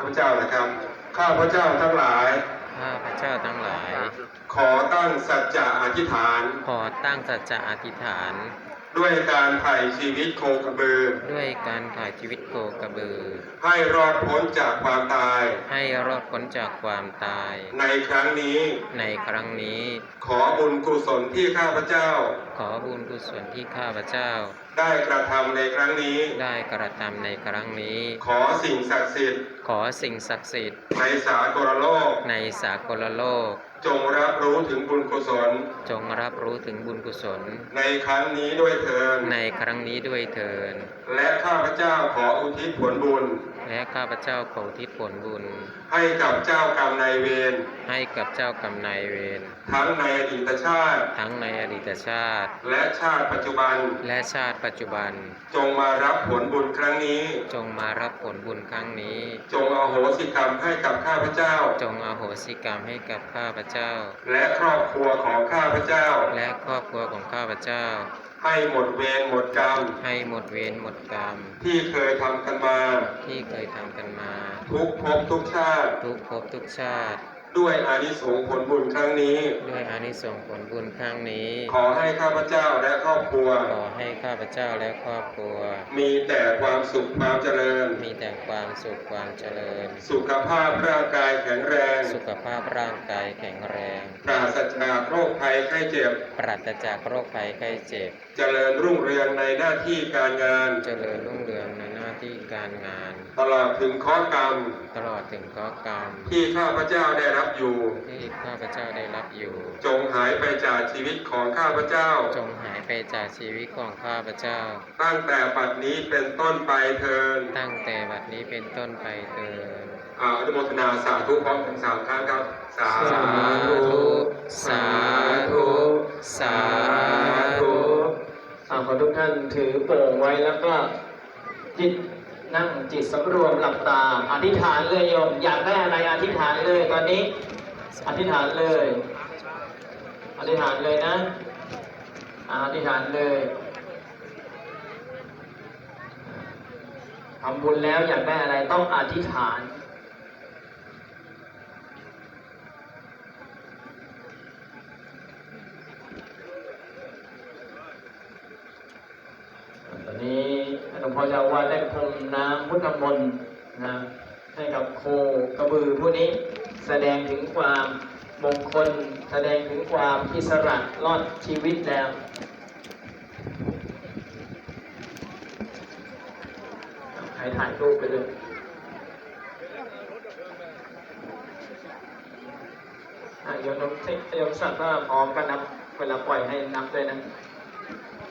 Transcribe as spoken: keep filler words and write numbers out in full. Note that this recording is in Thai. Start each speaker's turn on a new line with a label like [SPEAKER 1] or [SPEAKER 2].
[SPEAKER 1] าพเจ้านะครับข้าพเจ้าทั้งหลาย
[SPEAKER 2] ข้าพเจ้าทั้งหลาย
[SPEAKER 1] ขอตั้งสัจจะอธิษฐาน
[SPEAKER 2] ขอตั้งสัจจะอธิษฐาน
[SPEAKER 1] ด้วยการไถ่ชีวิตโคกระบือ
[SPEAKER 2] ด้วยการถ่ายชีวิตโคกระบือ
[SPEAKER 1] ให้รอดพ้นจากความตาย
[SPEAKER 2] ให้รอดพ้นจากความตาย
[SPEAKER 1] ในครั้งนี้
[SPEAKER 2] ในครั้งนี้
[SPEAKER 1] ขอบุญกุศลที่ข้าพเจ้า
[SPEAKER 2] ขอบุญกุศลที่ข้าพเจ้า
[SPEAKER 1] ได้กระทำในครั้งนี้
[SPEAKER 2] ได้กระทำในครั้งนี้
[SPEAKER 1] ขอสิ่งศักดิ์สิทธิ์
[SPEAKER 2] ขอสิ่งศักดิ์สิทธิ์
[SPEAKER 1] ในสากลโลก
[SPEAKER 2] ในสากลโลก
[SPEAKER 1] จงรับรู้ถึงบุญกุศล
[SPEAKER 2] จงรับรู้ถึงบุญกุศล
[SPEAKER 1] ในครั้งนี้ด้วยเถิด
[SPEAKER 2] ในครั้งนี้ด้วยเถิด
[SPEAKER 1] และข้าพเจ้าขออุทิศผลบุญ
[SPEAKER 2] และข้าพเจ้าขออุทิศผลบุญ
[SPEAKER 1] ให้กับเจ้ากรรมนายเวร
[SPEAKER 2] ให้กับเจ้ากรรมนายเวร
[SPEAKER 1] ทั้งในอดีตชาติ
[SPEAKER 2] ทั้งในอดีตชาติ
[SPEAKER 1] และชาติปัจจุบัน
[SPEAKER 2] และชาติปัจจุบัน
[SPEAKER 1] จงมารับผลบุญครั้งนี้
[SPEAKER 2] จงมารับผลบุญครั้งนี้
[SPEAKER 1] จงอโหสิกรรมให้กับข้าพเจ้า
[SPEAKER 2] จงอโหสิกรรมให้กับข้าพเจ้า
[SPEAKER 1] และครอบครัวของข้าพเจ้า
[SPEAKER 2] และครอบครัวของข้าพเจ้า
[SPEAKER 1] ให้หมดเวรหมดกรรม
[SPEAKER 2] ให้หมดเวรหมดกรรม
[SPEAKER 1] ที่เคยทำกันมา
[SPEAKER 2] ที่เคยทำกันมา
[SPEAKER 1] ทุกภพทุกชาติ
[SPEAKER 2] ทุกภพทุกชาติ
[SPEAKER 1] ด้วยอานิสงส์ผลบุญครั้งนี้
[SPEAKER 2] ด้วยอานิสงส์ผลบุญครั้งนี้
[SPEAKER 1] ขอให้ข้าพเจ้าและครอบครัว
[SPEAKER 2] ขอให้ข้าพเจ้าและครอบครัว
[SPEAKER 1] มีแต่ความสุขความเจริญ
[SPEAKER 2] มีแต่ความสุขความเจริญ
[SPEAKER 1] สุขภาพร่างกายแข็งแรง
[SPEAKER 2] สุขภาพร่างกายแข็งแรง
[SPEAKER 1] ปราศจากโรคภัยไข้เจ็บ
[SPEAKER 2] ปราศจากโรคภัยไข้เจ็บ
[SPEAKER 1] เจริญรุ่งเรืองในหน้าที่การงาน
[SPEAKER 2] เจริญรุ่งเรืองในหน้าที่การงาน
[SPEAKER 1] ตลอดถึงข้อกรรม
[SPEAKER 2] ตลอดถึงข้อกรรม
[SPEAKER 1] ที่ข้าพเจ้าได้รับอยู่
[SPEAKER 2] ที่ข้าพเจ้าได้รับอยู่
[SPEAKER 1] จงหายไปจากชีวิตของข้าพเจ้า
[SPEAKER 2] จงหายไปจากชีวิตของข้าพเจ้า
[SPEAKER 1] ตั้งแต่บัดนี้เป็นต้นไปเทิน
[SPEAKER 2] ตั้งแต่บัดนี้เป็นต้นไปเถิด
[SPEAKER 1] อ่าอนุโมทนาสาธุพร้อมกันสามครั้งครับ สา
[SPEAKER 2] สาธุ สาธุ สาธุ
[SPEAKER 3] อ่าขอทุกท่านถือโป่งไว้แล้วก็จิตนั่งจิตสำรวมหลับตาอธิษฐานเลยโยมอยากได้อะไรอธิษฐานเลยตอนนี้อธิษฐานเลยอธิษฐานเลยนะอ่าอธิษฐานเลยทำบุญแล้วอยากได้อะไรต้องอธิษฐานตอนนี้หลวงพ่อเจ้าอาวาสได้พรมน้ำพุทธมนต์นะให้กับโคกระบือผู้นี้แสดงถึงความมงคลแสดงถึงความอิสระรอดชีวิตแล้วใครถ่ายรูปไปเลยโยมน้องโยมสัตว์ว่าพร้อมก็นับเวลาปล่อยให้นับด้วยนะ